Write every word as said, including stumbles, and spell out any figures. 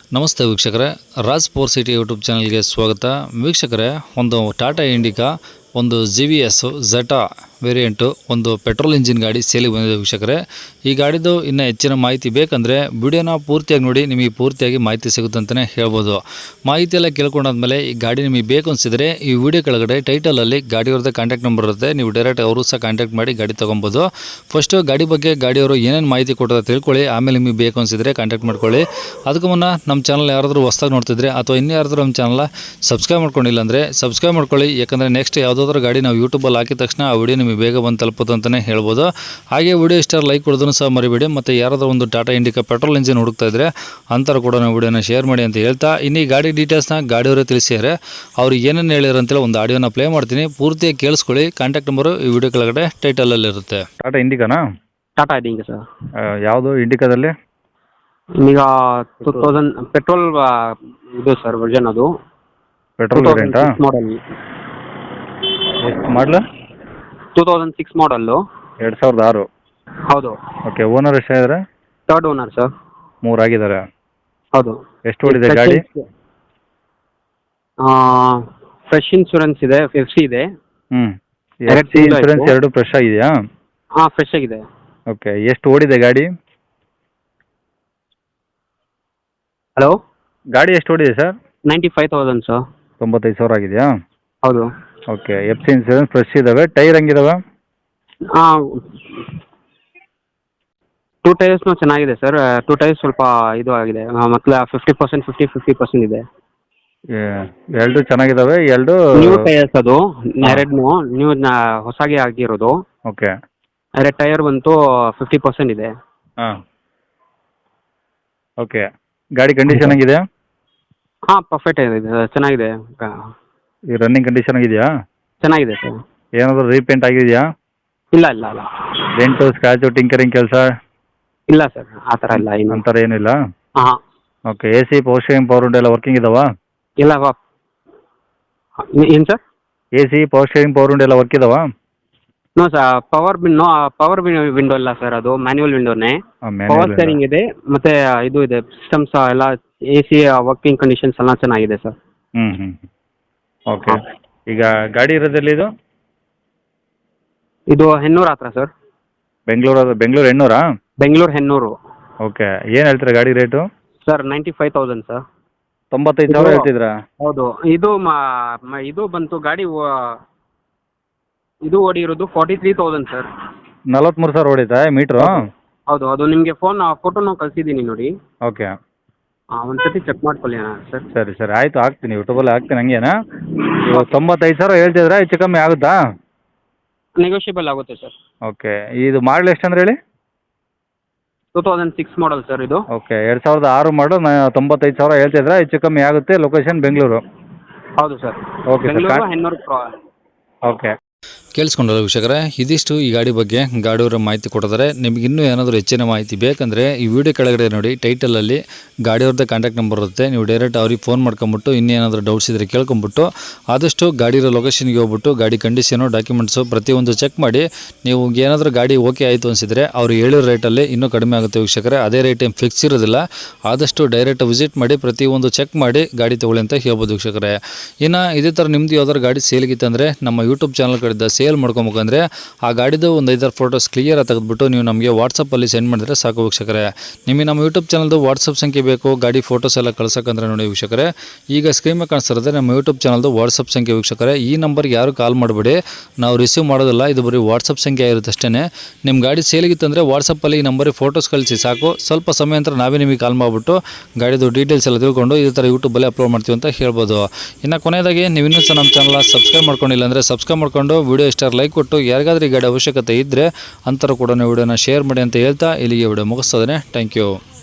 ನಮಸ್ತೆ ವೀಕ್ಷಕರೇ, Raj four city YouTube ಚಾನಲ್ಗೆ ಸ್ವಾಗತ. ವೀಕ್ಷಕರೇ, ಒಂದು ಟಾಟಾ ಇಂಡಿಕಾ ಒಂದು G V S zeta variant ಒಂದು ಪೆಟ್ರೋಲ್ ಇಂಜಿನ್ ಗಾಡಿ ಸೇಲಿಗೆ ಬಂದಿದೆ ವೀಕ್ಷಕರೇ. ಈ ಗಾಡಿದು ಇನ್ನೂ ಹೆಚ್ಚಿನ ಮಾಹಿತಿ ಬೇಕಂದರೆ ವಿಡಿಯೋನ ಪೂರ್ತಿಯಾಗಿ ನೋಡಿ, ನಿಮಗೆ ಪೂರ್ತಿಯಾಗಿ ಮಾಹಿತಿ ಸಿಗುತ್ತೆ ಅಂತಲೇ ಹೇಳ್ಬೋದು. ಮಾಹಿತಿ ಎಲ್ಲ ಕೇಳ್ಕೊಂಡಾದ್ಮೇಲೆ ಈ ಗಾಡಿ ನಿಮಗೆ ಬೇಕು ಅನಿಸಿದರೆ ಈ ವಿಡಿಯೋ ಕೆಳಗಡೆ ಟೈಟಲಲ್ಲಿ ಗಾಡಿಯವ್ರದ್ದು ಕಾಂಟ್ಯಾಕ್ಟ್ ನಂಬರ್ ಇರುತ್ತೆ, ನೀವು ಡೈರೆಕ್ಟ್ ಅವರು ಸಹ ಕಾಂಟ್ಯಾಕ್ಟ್ ಮಾಡಿ ಗಾಡಿ ತೊಗೊಬೋದು. ಫಸ್ಟು ಗಾಡಿ ಬಗ್ಗೆ ಗಾಡಿಯವರು ಏನೇನು ಮಾಹಿತಿ ಕೊಟ್ಟರೆ ತಿಳ್ಕೊಳ್ಳಿ, ಆಮೇಲೆ ನಿಮಗೆ ಬೇಕು ಅನಿಸಿದರೆ ಕಾಂಟ್ಯಾಕ್ಟ್ ಮಾಡ್ಕೊಳ್ಳಿ. ಅದಕ್ಕೂ ಮುನ್ನ ನಮ್ಮ ಚಾನಲ್ ಯಾರಾದರೂ ಹೊಸ್ದಾಗಿ ನೋಡ್ತಿದ್ರೆ ಅಥವಾ ಇನ್ನೂ ಯಾರಾದರೂ ನಮ್ಮ ಚಾನಲ್ ಸಬ್ಸ್ಕ್ರೈಬ್ ಮಾಡ್ಕೊಂಡಿಲ್ಲ ಅಂದರೆ ಸಬ್ಸ್ಕ್ರೈಬ್ ಮಾಡ್ಕೊಳ್ಳಿ. ಯಾಕಂದರೆ ನೆಕ್ಸ್ಟ್ ಯಾವುದಾದ್ರೂ ಗಾಡಿ ನಾವು ಯೂಟ್ಯೂಬಲ್ಲಿ ಹಾಕಿದ ತಕ್ಷಣ ಆ ವಿಡಿಯೋ ನಿಮಗೆ ಬೇಗ ಬಂದು ತಲುಪೋದು ಅಂತಲೇ ಹೇಳ್ಬೋದು. ಹಾಗೆ ವಿಡಿಯೋ ಇಷ್ಟ ಲೈಕ್ ಕೊಡೋದನ್ನು ಸಹ ಮರಿಬೇಡಿ. ಮತ್ತು ಯಾರಾದರೂ ಒಂದು ಟಾಟಾ ಇಂಡಿಕಾ ಪೆಟ್ರೋಲ್ ಇಂಜಿನ್ ಹುಡುಕ್ತಾ ಇದ್ದರೆ ಅಂಥವ್ರು ಕೂಡ ನಾವು ವಿಡಿಯೋನ ಶೇರ್ ಮಾಡಿ ಅಂತ ಹೇಳ್ತಾ, ಇನ್ನು ಈ ಗಾಡಿ ಡೀಟೇಲ್ಸ್ನ ಗಾಡಿಯವರೇ ತಿಳಿಸಿದ್ದಾರೆ. ಅವ್ರು ಏನೇನು ಹೇಳಿದ್ರು ಅಂತೇಳಿ ಒಂದು ಆಡಿಯೋನ ಪ್ಲೇ ಮಾಡ್ತೀನಿ, ಪೂರ್ತಿಯಾಗಿ ಕೇಳಿಸ್ಕೊಳ್ಳಿ. ಕಾಂಟ್ಯಾಕ್ಟ್ ನಂಬರು ಈ ವಿಡಿಯೋ ಕೆಳಗಡೆ ಟೈಟಲಲ್ಲಿ ಇರುತ್ತೆ. ಟಾಟಾ ಇಂಡಿಕಾನಾ? ಟಾಟಾ ಇಂಡಿಕಾ ಸರ್. ಯಾವುದು ಇಂಡಿಕಾದಲ್ಲಿ? ಈಗ ಟೂ ತೌಸಂಡ್ ಪೆಟ್ರೋಲ್ ಇದು ಸರ್ ವರ್ಜನ್, ಅದು ಪೆಟ್ರೋಲ್ ವೇರಿಯಂಟಾ? ಮಾಡಲ್ ಎಷ್ಟು model? Two thousand six model. ಎರಡು ಸಾವಿರದ ಆರು. ಹೌದು. ಓಕೆ. ಓನರ್ ಎಷ್ಟಾಗಿದ್ದಾರೆ? Third owner sir. ಮೂರು ಆಗಿದ್ದಾರೆ. ಹೌದು. ಎಷ್ಟು ಓಡಿದೆ ಗಾಡಿ? ಫ್ರೆಶ್ ಇನ್ಶೂರೆನ್ಸ್ ಇದೆ, ಎಫ್ ಸಿ ಇದೆ. ಹ್ಞೂ. ಎರಡು ಎಫ್ ಸಿ ಇನ್ಶೂರೆನ್ಸ್ ಎರಡು ಫ್ರೆಶ್ ಆಗಿದೆಯಾ? ಹಾಂ, ಫ್ರೆಶ್ ಆಗಿದೆ. ಓಕೆ. ಎಷ್ಟು ಓಡಿದೆ ಗಾಡಿ? ಹಲೋ, ಗಾಡಿ ಎಷ್ಟು ಓಡಿದೆ sir? Ninety five thousand sir. ತೊಂಬತ್ತೈದು ಸಾವಿರ ಆಗಿದೆಯಾ? ಹೌದು. Okay. F C insurance fresh ಇದ್ದಾವೆ. ಟೈರ್ ಹೆಂಗಿದಾವೆ? ಹಾಂ, ಟೂ ಟೈರ್ಸ್ನು ಚೆನ್ನಾಗಿದೆ ಸರ್. ಟೂ ಟೈರ್ಸ್ ಸ್ವಲ್ಪ ಇದು ಆಗಿದೆ, ಮತ್ತೆ fifty percent fifty fifty percent ಇದೆ. ಎರಡು ಚೆನ್ನಾಗಿದ್ದಾವೆ. ಎರಡು ನ್ಯೂ ಟೈರ್ಸ್, ಅದು ಎರಡನ್ನೂ ನ್ಯೂ ಹೊಸಾಗಿ ಆಗಿರೋದು. ಓಕೆ. ಎರಡು ಟೈರ್ ಬಂತು ಫಿಫ್ಟಿ ಪರ್ಸೆಂಟ್ ಇದೆ. ಹಾಂ. ಓಕೆ. ಗಾಡಿ ಕಂಡೀಷನ್ ಆಗಿದೆ? ಹಾಂ, ಪರ್ಫೆಕ್ಟ್ ಇದೆ, ಚೆನ್ನಾಗಿದೆ. ಈ ರನ್ನಿಂಗ್ ಕಂಡೀಷನ್ ಆಗಿದೆಯಾ? ಚೆನ್ನಾಗಿದೆ ಸರ್. ಏನಾದರೂ ರೀಪೇಂಟ್ ಆಗಿದೆಯಾ? ಇಲ್ಲ ಇಲ್ಲ ಇಲ್ಲ. ಡೆಂಟು ಸ್ಕ್ರಾಚು ಟಿಂಕರಿಂಗ್ ಕೆಲಸ? ಇಲ್ಲ ಸರ್, ಆ ಥರ ಇಲ್ಲ. ಏನು ಅಂಥರ ಏನಿಲ್ಲ? ಹಾಂ. Okay. A C power steering power window ಎಲ್ಲ ವರ್ಕಿಂಗ್ ಇದಾವಾ? ಇಲ್ಲ ವಾ ಏನು sir? A C power steering power window ಎಲ್ಲ ವರ್ಕ್ ಇದಾವಾ? No sir, power no power window ಇಲ್ಲ ಸರ್, ಅದು ಮ್ಯಾನ್ಯುವಲ್ ವಿಂಡೋನೇ. ಪವರ್ ಸ್ಟೇರಿಂಗ್ ಇದೆ, ಮತ್ತೆ ಇದು ಇದೆ, ಸಿಸ್ಟಮ್ಸ್ ಎಲ್ಲ ಎ ಸಿ ವರ್ಕಿಂಗ್ ಕಂಡೀಷನ್ಸ್ ಎಲ್ಲ ಚೆನ್ನಾಗಿದೆ ಸರ್. ಹ್ಞೂ ಹ್ಞೂ. ಓಕೆ. ಈಗ ಗಾಡಿ ಇರೋದೆಲ್ಲಿ ಇದು? ಇದು ಹೆನ್ನೂರು ಹತ್ರ ಸರ್. ಬೆಂಗಳೂರು ಬೆಂಗಳೂರು ಹೆಣ್ಣೂರಾ? ಬೆಂಗಳೂರು ಹೆನ್ನೂರು. ಓಕೆ. ಏನು ಹೇಳ್ತೀರಾ ಗಾಡಿ rate? Sir ninety five thousand sir. ತೊಂಬತ್ತೈದು ಸಾವಿರ ಹೇಳ್ತಿದ್ರಾ? ಹೌದು. ಇದು ಮ- ಮ- ಇದು ಬಂತು ಗಾಡಿ ಓ- ಇದು ಓಡಿ ಇರೋದು ಫಾರ್ಟಿ ತ್ರೀ ತೌಸಂಡ್ ಸರ್. ನಲ್ವತ್ತ್ಮೂರು ಸಾವಿರ ಹೊಡಿತಾ ಮೀಟ್ರು? ಹೌದು. ಅದು ನಿಮಗೆ ಫೋನ್ ಫೋಟೋನು ಕಳಿಸಿದ್ದೀನಿ ನೋಡಿ. ಓಕೆ. ಹಾಂ, ಒಂದು ಸತಿ ಚೆಕ್ ಮಾಡ್ಕೊಳ್ಳಿ ಸರ್. ಸರಿ ಸರಿ ಆಯಿತು, ಹಾಕ್ತೀನಿ ಯೂಟ್ಯೂಬಲ್ಲಿ ಹಾಕ್ತೀನಿ. ಹಂಗೇನಾ? ಇವಾಗ ತೊಂಬತ್ತೈದು ಸಾವಿರ ಹೇಳ್ತಿದ್ರೆ ಹೆಚ್ಚು ಕಮ್ಮಿ ಆಗುತ್ತಾ? ನೆಗೋಷಿಯಬಲ್ ಆಗುತ್ತೆ ಸರ್. ಓಕೆ. ಇದು ಮಾಡಲ್ ಎಷ್ಟು ಅಂದ್ರೆ ಹೇಳಿ? Two thousand six model sir ಇದು. ಓಕೆ. ಎರಡು ಸಾವಿರದ ಆರು ಮಾಡು, ತೊಂಬತ್ತೈದು ಸಾವಿರ ಹೇಳ್ತಿದ್ರೆ ಹೆಚ್ಚು ಕಮ್ಮಿ ಆಗುತ್ತೆ. ಲೊಕೇಶನ್ ಬೆಂಗಳೂರು? ಹೌದು sir. Okay sir. Bengaluru Hennur. Okay. ಕೇಳಿಸ್ಕೊಂಡಲ್ಲ ವೀಕ್ಷಕರೇ, ಇದಿಷ್ಟು ಈ ಗಾಡಿ ಬಗ್ಗೆ ಗಾಡಿಯವರ ಮಾಹಿತಿ ಕೊಟ್ಟಿದ್ದಾರೆ. ನಿಮಗೆ ಇನ್ನೂ ಏನಾದರೂ ಹೆಚ್ಚಿನ ಮಾಹಿತಿ ಬೇಕಂದರೆ ಈ ವಿಡಿಯೋ ಕೆಳಗಡೆ ನೋಡಿ, ಟೈಟಲಲ್ಲಿ ಗಾಡಿಯವ್ರದ್ದೇ ಕಾಂಟ್ಯಾಕ್ಟ್ ನಂಬರ್ ಇರುತ್ತೆ, ನೀವು ಡೈರೆಕ್ಟ್ ಅವ್ರಿಗೆ ಫೋನ್ ಮಾಡ್ಕೊಂಬಿಟ್ಟು ಇನ್ನೇನಾದರೂ ಡೌಟ್ಸ್ ಇದ್ದರೆ ಕೇಳ್ಕೊಂಬಿಟ್ಟು ಆದಷ್ಟು ಗಾಡಿರೋ ಲೊಕೇಶನ್ಗೆ ಹೋಗ್ಬಿಟ್ಟು ಗಾಡಿ ಕಂಡೀಷನು ಡಾಕ್ಯುಮೆಂಟ್ಸು ಪ್ರತಿಯೊಂದು ಚೆಕ್ ಮಾಡಿ, ನೀವು ಏನಾದರೂ ಗಾಡಿ ಓಕೆ ಆಯಿತು ಅನಿಸಿದರೆ ಅವ್ರು ಹೇಳಿರೋ ರೇಟಲ್ಲಿ ಇನ್ನೂ ಕಡಿಮೆ ಆಗುತ್ತೆ ವೀಕ್ಷಕರೇ. ಅದೇ ರೇಟ್ ಏನು ಫಿಕ್ಸ್ ಇರೋದಿಲ್ಲ. ಆದಷ್ಟು ಡೈರೆಕ್ಟ್ ವಿಸಿಟ್ ಮಾಡಿ ಪ್ರತಿಯೊಂದು ಚೆಕ್ ಮಾಡಿ ಗಾಡಿ ತೊಗೊಳ್ಳಿ ಅಂತ ಹೇಳ್ಬೋದು ವೀಕ್ಷಕರೇ. ಇನ್ನು ಇದೇ ಥರ ನಿಮ್ಮದು ಯಾವ್ದಾದ್ರು ಗಾಡಿ ಸೇಲ್ಗಿತ್ತಂದರೆ ನಮ್ಮ ಯೂಟ್ಯೂಬ್ ಚಾನಲ್ ಕಡೆಯಿಂದ ಸೇಲ್ ಮಾಡ್ಕೊಬೇಕಂದ್ರೆ ಆ ಗಾಡಿದು ಒಂದು ಐದಾರು ಫೋಟೋಸ್ ಕ್ಲಿಯರಾಗಿ ತೆಗೆದುಬಿಟ್ಟು ನೀವು ನಮಗೆ ವಾಟ್ಸಪ್ಪಲ್ಲಿ ಸೆಂಡ್ ಮಾಡಿದ್ರೆ ಸಾಕು ವೀಕ್ಷಕರೇ. ನಿಮಗೆ ನಮ್ಮ ಯೂಟ್ಯೂಬ್ ಚಾನಲ್ದು ವಾಟ್ಸಪ್ ಸಂಖ್ಯೆ ಬೇಕು ಗಾಡಿ ಫೋಟೋಸ್ ಎಲ್ಲ ಕಳ್ಸೋಕ್ಕಂದ್ರೆ ನೋಡಿ ವೀಕ್ಷಕರೇ, ಈಗ ಸ್ಕ್ರೀನ್ ಮೇಲೆ ಕಾಣಿಸ್ತಿರೋದೇ ನಮ್ಮ ಯೂಟ್ಯೂಬ್ ಚಾನಲ್ದು ವಾಟ್ಸಪ್ ಸಂಖ್ಯೆ ವೀಕ್ಷಕರೇ. ಈ ನಂಬರ್ಗೆ ಯಾರು ಕಾಲ್ ಮಾಡಬೇಡಿ, ನಾವು ರಿಸೀವ್ ಮಾಡೋದಿಲ್ಲ, ಇದು ಬರೀ ವಾಟ್ಸಪ್ ಸಂಖ್ಯೆ ಇರುತ್ತೆ ಅಷ್ಟೇ. ನಿಮ್ಮ ಗಾಡಿ ಸೇಲಿಗಿತ್ತಂದರೆ ವಾಟ್ಸಪ್ಪಲ್ಲಿ ಈ ನಂಬರಿಗೆ ಫೋಟೋಸ್ ಕಳಿಸಿ ಸಾಕು. ಸ್ವಲ್ಪ ಸಮಯ ನಂತರ ನಾವೇ ನಿಮಗೆ ಕಾಲ್ ಮಾಡಿಬಿಟ್ಟು ಗಾಡಿದು ಡೀಟೇಲ್ಸ್ ಎಲ್ಲ ತಿಳ್ಕೊಂಡು ಇದೇ ಥರ ಯೂಟ್ಯೂಬಲ್ಲಿ ಅಪ್ಲೋಡ್ ಮಾಡ್ತೀವಿ ಅಂತ ಹೇಳ್ಬೋದು. ಇನ್ನು ಕೊನೆಯದಾಗಿ ನೀವು ಇನ್ನೂ ಸಹ ನಮ್ಮ ಚಾನಲ್ ಸಬ್ಸ್ಕ್ರೈಬ್ ಮಾಡ್ಕೊಂಡಿಲ್ಲ ಅಂದರೆ ಸಬ್ಸ್ಕ್ರೈಬ್ ಮಾಡ್ಕೊಂಡು ವಿಡಿಯೋ ಇಷ್ಟ ಲೈಕ್ ಕೊಟ್ಟು ಯಾರಿಗಾದ್ರೂ ಈ ಗಾಡಿ ಅವಶ್ಯಕತೆ ಇದ್ದರೆ ಅಂಥವ್ರು ಕೂಡ ವಿಡಿಯೋನ ಶೇರ್ ಮಾಡಿ ಅಂತ ಹೇಳ್ತಾ ಇಲ್ಲಿಗೆ ವಿಡಿಯೋ ಮುಗಿಸ್ತದೆ. Thank you.